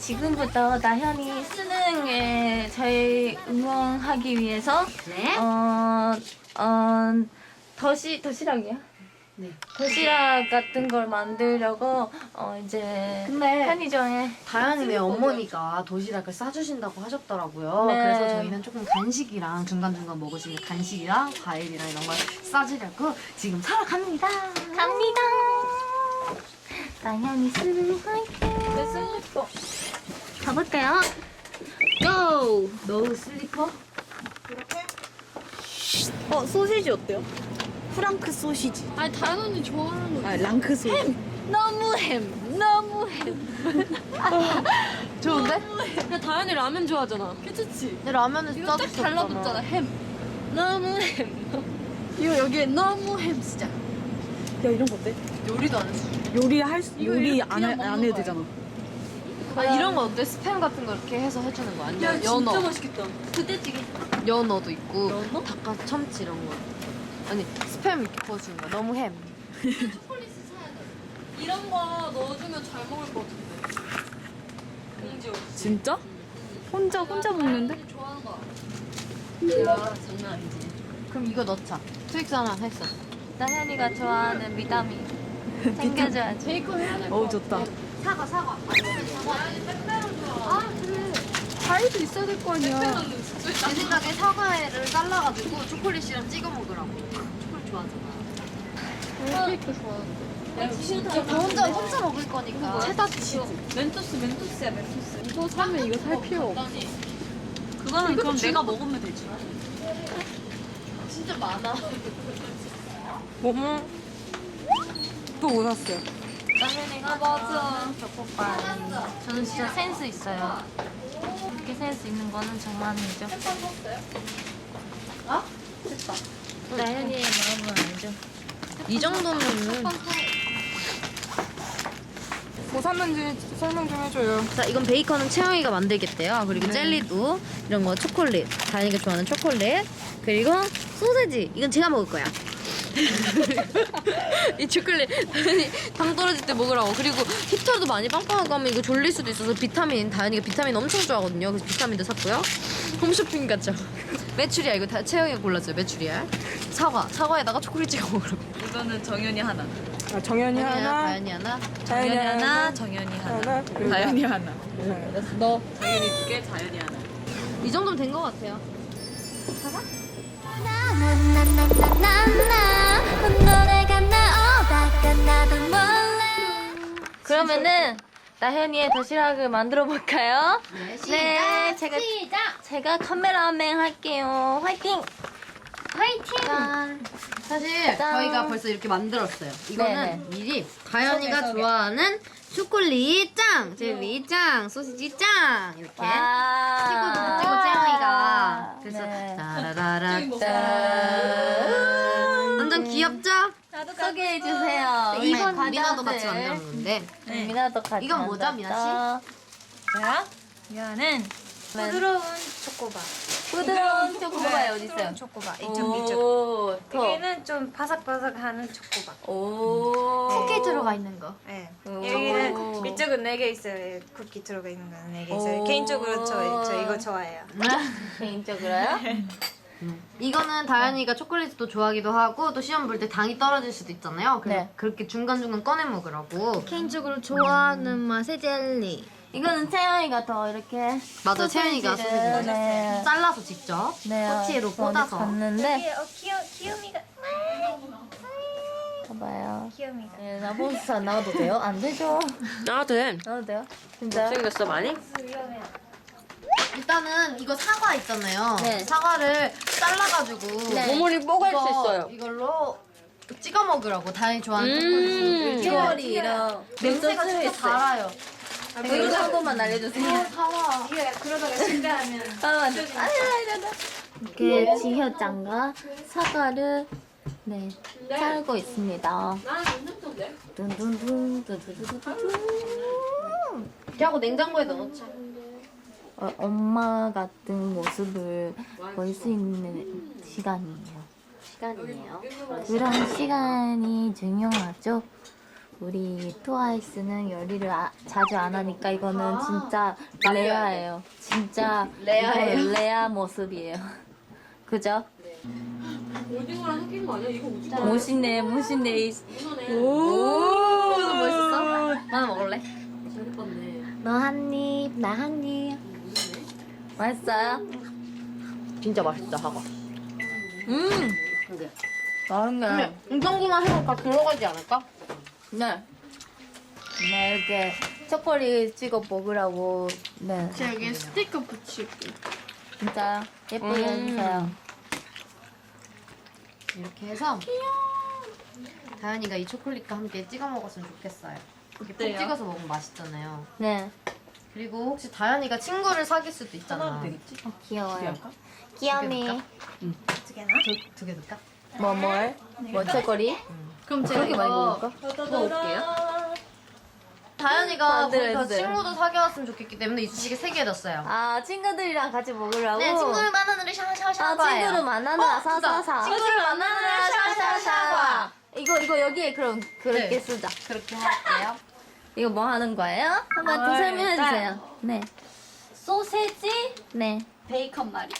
지금부터 나현이 수능에 저희 응원하기 위해서 네. 도시락이야? 네. 도시락 같은 걸 만들려고 이제 근데 편의점에 다현이네 어머니가 도시락을 싸주신다고 하셨더라고요. 네. 그래서 저희는 조금 간식이랑 중간중간 먹을 수 있는 간식이랑 과일이랑 이런 걸 싸주려고 지금 사러 갑니다. 갑니다. 나현이 수능 화이팅. 내 슬리퍼. 가볼까요? 고! 너 슬리퍼? 소시지 어때요? 프랑크 소시지. 아니 다현 언니 좋아하는 거. 아, 랑크 소시지. 너무 햄. 너무 햄. 좋은데? 근데 다현이 라면 좋아하잖아. 괜찮지? 근데 라면은 이거 딱 달라붙잖아. 햄. 너무 햄. 이거 여기에 너무 햄 진짜. 야, 이런 거 어때? 요리도 안 했어. 요리 안 그냥 먹는 해도 거야. 되잖아. 아 이런 거 어때? 스팸 같은 거 이렇게 해서 해주는 거 아니야? 연어. 맛있겠다. 부대찌개. 연어도 있고 연어? 닭가 참치 이런 거. 아니 스팸 이렇게 구워주는 거야. 너무 햄. 초콜릿 사야 돼. 이런 거 넣어주면 잘 먹을 것 같은데. 공주. 진짜? 혼자 먹는데? 다현이 좋아하는 거. 야 장난 아니지. 그럼 이거 넣자. 트윅스 하나 했어. 나현이가 좋아하는 비타민 챙겨줘야지. 베이컨 해야 될 거. 어우, 좋다. 사과. 다현이 빼빼로 좋아. 아 그래. 과일도 있어야 될 거 아니야. 내 생각에 사과를 잘라가지고 초콜릿이랑 찍어 먹으라고. 초콜릿 좋아하잖아. 케이크 좋아하는데. 진짜 혼자 먹을 거니까. 체다 치즈. 멘토스야 멘토스. 이거 사면 이거 살 필요 없어. 그거는 그럼 내가 먹으면 되지. 진짜 많아. 또뭐 샀어요? 나현이가 맞아. 초코파이. 저는 진짜 센스 있어요. 이렇게 센스 있는 거는 정말이죠. 어? 나현이의 마음은 알죠. 이 정도면은. 뭐 샀는지 설명 좀 해줘요. 자, 이건 베이컨은 채영이가 만들겠대요. 그리고 젤리도 이런 거 초콜릿. 다현이가 좋아하는 초콜릿. 그리고 소세지. 이건 제가 먹을 거야. 이 초콜릿 다현이 당 떨어질 때 먹으라고. 그리고 히터도 많이 빵빵하고 하면 이거 졸릴 수도 있어서 비타민. 다현이가 비타민 엄청 좋아하거든요. 그래서 비타민도 샀고요. 홈쇼핑 같죠? 메추리알 이거 다 채영이가 골랐어요. 메추리알. 사과에다가 초콜릿 찍어 먹으라고. 이거는 정연이 하나. 아, 정연이 하나, 다현이 하나. 자연이 하나, 정연이 하나, 그리고 자연이 하나. 너. 정연이 2개, 자연이 하나. 이 정도면 된 것 같아요. 그러면은 나현이의 도시락을 만들어 볼까요? 네, 제가 카메라맨 할게요. 화이팅! 화이팅! 사실 짠. 저희가 벌써 이렇게 만들었어요. 이거는 네네. 미리 다현이가 좋아하는 초콜릿 짱, 젤리 짱, 소시지 짱 이렇게 찍고 누구 찍고 채영이가 그래서 네. 따라라라 짠. 완전 귀엽죠? 소개해 주세요. 이건 미나도 같이 만들었는데 미나도 같이. 이건 뭐죠, 미나 저요? 이거는 부드러운 초코바. 부드러운 초코바이 어디 있어요? 초코바. 이쪽, 이쪽. 오, 더. 여기는 좀 바삭바삭하는 초코바. 오. 쿠키 들어가 있는 거. 네. 오. 여기는 이쪽은 4개 있어요. 쿠키 들어가 있는 거는 4개 있어요. 오. 개인적으로 저 이거 좋아해요. 개인적으로요? 이거는 다현이가 초콜릿도 좋아하기도 하고 또 시험 볼 때 당이 떨어질 수도 있잖아요. 그래서 네. 그렇게 중간중간 꺼내 먹으라고. 개인적으로 좋아하는 맛의 젤리. 이거는 채영이가 더 이렇게. 맞아, 채연이가 소시지를 네. 잘라서 직접 꼬치로 어디 꽂아서. 봤는데. 귀요미가. 봐봐요. 귀요미가. 네, 나 몬스터 안 나와도 돼요? 안 되죠? 나도 돼. 나와도 돼요? 진짜요? 생겼어 많이? 일단은 이거 사과 있잖아요. 네. 사과를 잘라가지고 네. 모모리 뽀갈 수 있어요. 이걸로 찍어 먹으라고 다현이 좋아하는 음. 초콜릿을 냄새가 진짜 달아요. 이거 한 번만 알려주세요. 사과. 이게 그러다가 실패하면 이렇게 지효장과 사과를 네 썰고 있습니다. 나는 괜찮던데. 둔둔둔 두두두두두. 이렇게 하고 냉장고에 넣어놓자. 엄마 같은 모습을 볼 수 있는 시간이에요. 그런 시간이 중요하죠. 우리 트와이스는 요리를 자주 안 하니까 이거는 진짜 레아예요. 진짜 레아예요? 이거 레아 모습이에요. 그죠? 오징어랑 섞인 거 아니야? 이거 오징어. 멋있네, 멋있네. 이거네. 오, 멋있어? 하나 먹을래? 너 한 입, 나 한 입. 맛있어요? 진짜 맛있다 사과. 맛있네. 이 정도만 해도 다 들어가지 않을까? 네. 네, 이렇게 초콜릿 찍어 먹으라고. 네. 제가 여기 스티커 붙일게. 진짜 예쁘게 해주세요. 이렇게 해서 다현이가 이 초콜릿과 함께 찍어 먹었으면 좋겠어요. 이렇게 푹 찍어서 먹으면 맛있잖아요. 네. 그리고 혹시 다현이가 친구를 사귈 수도 있잖아. 귀여워요. 귀염이. 두 개나? 두 개 넣을까? 뭘? 뭐 초콜릿? 그럼 제가 그렇게 많이 먹을까? 먹어볼게요. 다현이가 만들어야 거기서 돼. 친구도 사귀었으면 좋겠기 때문에 이쑤시개 3개 넣었어요. 아, 친구들이랑 같이 먹으라고? 네, 친구를 만나는 샤샤샤 아, 친구를 만나느라 사사사. 친구를 만나느라 샤샤샤. 이거 여기에 그럼 그렇게 네. 쓰자. 그렇게 할게요. 이거 뭐 하는 거예요? 한번 또 설명해 주세요. 네. 소세지, 네. 베이컨 말이.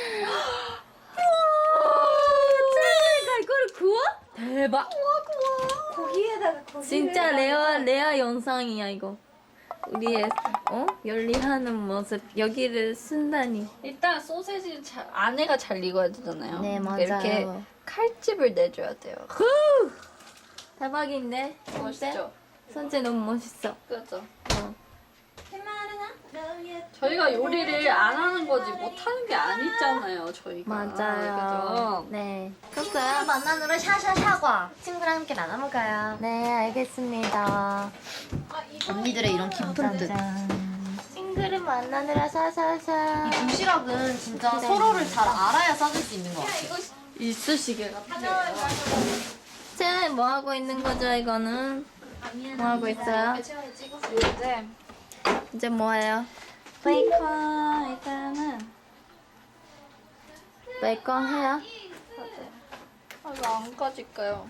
짱이가 이거를 구워? 대박. 고기에다가 고기. 진짜 레아 영상이야 이거. 우리의 열리하는 모습 여기를 쓴다니. 일단 소세지 안에가 잘 익어야 되잖아요. 네, 맞아요. 이렇게 칼집을 내줘야 돼요. 대박인데. 멋있죠? 선재 너무 멋있어. 그렇죠. 어. 저희가 요리를 안 하는 거지 못하는 게 아니잖아요. 저희가. 맞아요. 그죠? 네. 친구를 컸어요? 만나느라 샤샤샤과. 친구랑 함께 나눠 먹어요. 네, 알겠습니다. 언니들의 이런 깊은 뜻. 짠. 친구를 만나느라 사사사. 이 도시락은 진짜 서로를 잘 알아야 싸줄 수 있는 것 같아요. 이쑤시개 같아요. 쟤는 뭐 하고 있는 거죠, 이거는? 뭐 하고 있어요? 이제 뭐 해요? 베이컨 일단은 베이컨 해요? 이거 안 까질까요?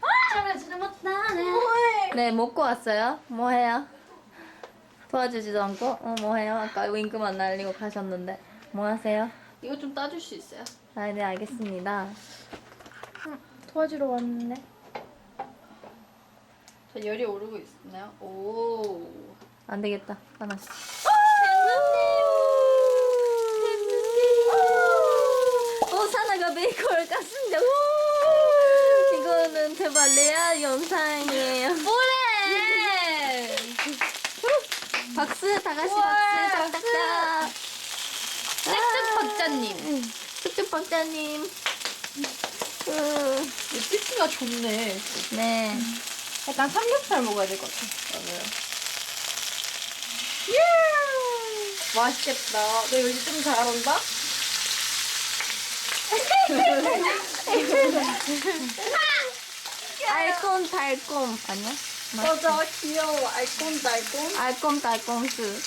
네, 먹고 왔어요. 뭐 해요? 도와주지도 않고? 뭐 해요? 아까 윙크만 날리고 가셨는데. 뭐 하세요? 이거 좀 따줄 수 있어요? 아, 네, 알겠습니다. 도와주러 왔는데. 저 열이 오르고 있나요? 오. 안 되겠다. 하나씩. 사나가 베이컨을 깠습니다. 우! 이거는 대박 레아 영상이에요. 뭐래? 박수, 다 같이 박수, 짝짝짝. 짝짝 박자님. 쑥쑥 박자님. 피스가 좋네. 네. 약간 삼겹살 먹어야 될 것 같아. 맞아요. 맛있겠다. 너 요리 좀 잘한다? 알콩 달콤 아니야? 맞아, 귀여워. 알콩달콩. 알콩 달콤스.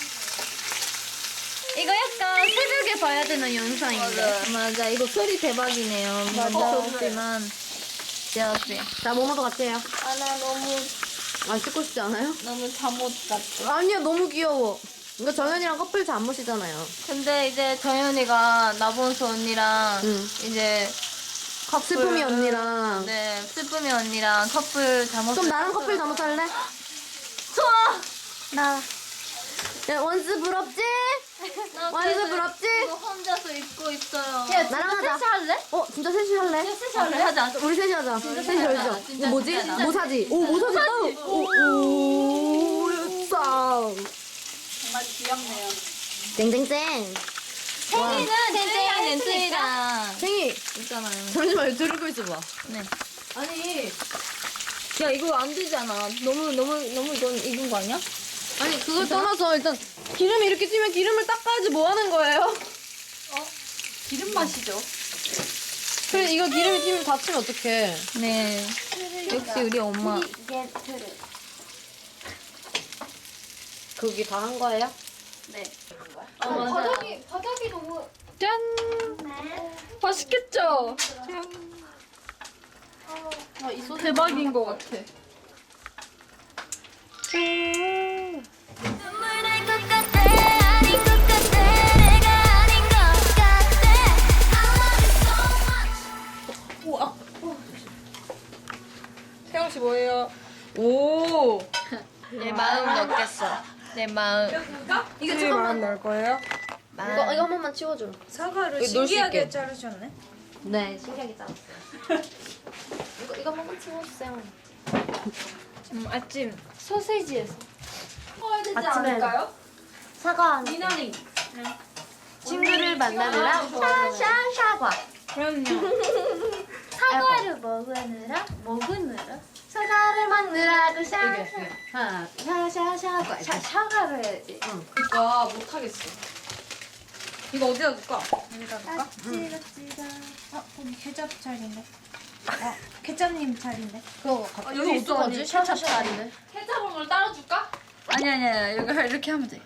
이거 약간 새벽에 봐야 되는 영상인데. 맞아. 이거 소리 대박이네요. 무섭지만 귀여웠어요. 자, 모모도 같이 해요. 나 너무 안 찍고 싶지 않아요? 너무 잠옷 같아. 아니요, 너무 귀여워. 이거 정연이랑 커플 잠옷이잖아요. 근데 이제 정연이가 나본수 언니랑 응. 이제 커플 슬픔이 언니랑. 네 슬픔이 언니랑 커플 잠옷. 그럼 나랑 커플 잠옷 할래? 좋아. 나 야, 원스 부럽지? 원스 부럽지? 이거 혼자서 입고 있어요. 나랑 하자. 할래? 진짜 셋이 할래? 셋이 할래? 하자. 우리 셋이 하자. 셋이 하자. 하자. 진짜 뭐지? 진짜. 모사지. 모사지 따. 오, 쌍. 정말 귀엽네요. 땡땡땡. 생이는 땡땡이랑 생이. 있잖아요. 잠시만, 들고 있어봐. 네. 아니. 야 이거 안 되잖아. 너무 이건 익은 거 아니야? 아니, 그걸 떠나서 일단 기름이 이렇게 튀면 기름을 닦아야지 뭐 하는 거예요? 기름 맛이죠. 그래, 이거 기름이 튀면 다치면 어떡해. 네. 역시 우리 엄마. 그게 다 한 거예요? 네. 맞아. 바닥이 너무. 짠! 맛있겠죠? 이 소스 대박인 것 같아. 눈물 날 것 같아 아닌 것 같아 내가 아닌 것 같아 I love you so much 태영 씨 뭐예요? 오. 내 마음 넣겠어. 내 마음. 이거 잠깐만 넣을 거예요? 이거 한 번만 치워줘. 사과를 여기 놀 수 신기하게 있게. 자르셨네. 네, 신기하게 잘랐어요. 이거 한 번만 치워주세요. 아침 소세지에서. 아침에 사과 미나리. 친구를 만나느라 샤샤샤과. 그럼요. 사과를 먹으느라? 사과를 먹느라고 샤샤샤과. 사과를 해야지. 와 못하겠어. 이거 어디다 둘까? 여기다 둘까? 거기 케첩 자리인데. 케첩님 자리인데. 그거 여기 어떡하지? 샤샤샤인데. 케첩을 따라줄까? 아니 여기 이렇게 하면 돼.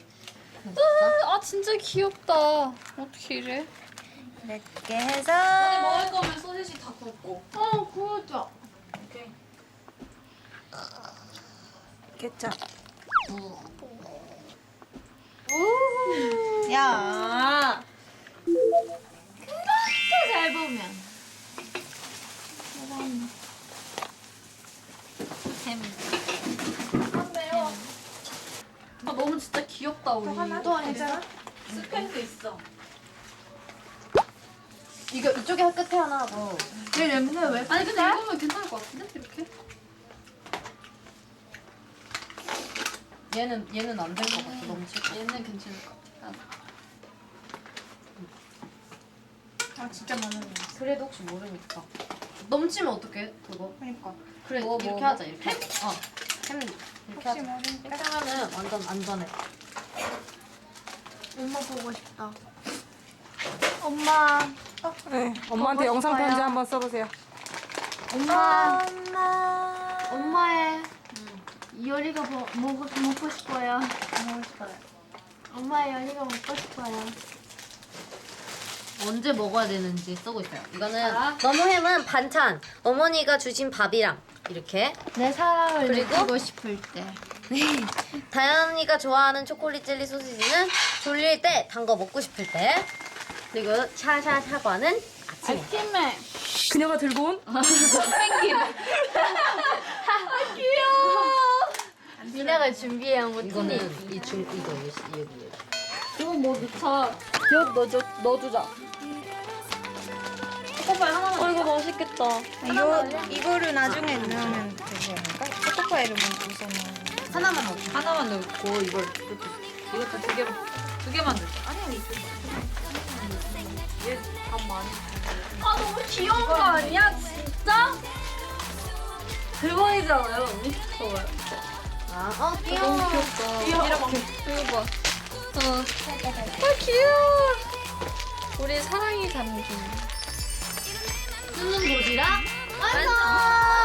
아 진짜 귀엽다. 어떻게 이래? 이렇게 해서 아니 먹을 거면 소시지 다 굽고. 구워줘. 오케이. 케첩. 야. 그렇게 잘 보면. 아 너무 진짜 귀엽다 우리. 또 괜찮아? 스팸도 있어. 이거 이쪽에 끝에 하나 하고. 내 냄새 왜? 아니 근데 이거면 괜찮을 것 같은데 이렇게? 얘는 안 될 것 같아. 너무 칠까? 얘는 괜찮을 것 같아. 아 진짜 많은 거. 그래도 혹시 모르니까. 넘치면 어떡해? 그거. 그러니까. 그래 뭐, 이렇게 뭐. 하자 이렇게. 햄 이렇게 혹시 하자. 모르니까. 이렇게 하면 완전 안전해. 엄마 보고 싶다. 엄마. 네. 엄마한테 영상 편지 한번 써보세요. 엄마. 엄마의 요리가 먹고 싶어요. 먹고 싶어요. 엄마의 요리가 먹고 싶어요. 언제 먹어야 되는지 쓰고 있어요. 이거는 너무햄은 반찬. 어머니가 주신 밥이랑 이렇게. 내 사랑을 그리고? 느끼고 싶을 때. 다현이가 좋아하는 초콜릿 젤리 소시지는 졸릴 때, 단 거 먹고 싶을 때. 그리고 샤샤 사과는 아침에. 팀에. 그녀가 들고 온 니네가 준비해온 거 이거는 이거 여기. 이거 뭐 넣자. 엿 넣어주자. 초코파이 하나만. 이거 맛있겠다. 이거를 나중에 넣으면 되지 않을까? 초코파이를 먼저 넣으면. 하나만 먹어. 하나만 넣고 이걸 이것도 두 개만 넣자. 아 너무 귀여운 거 아니야 진짜? 대박이잖아요 언니. 좋아요. 귀여워. 귀엽다. 이거 봐. 아 귀여워. 우리 사랑이 담긴. 쓰는 도시락 완성.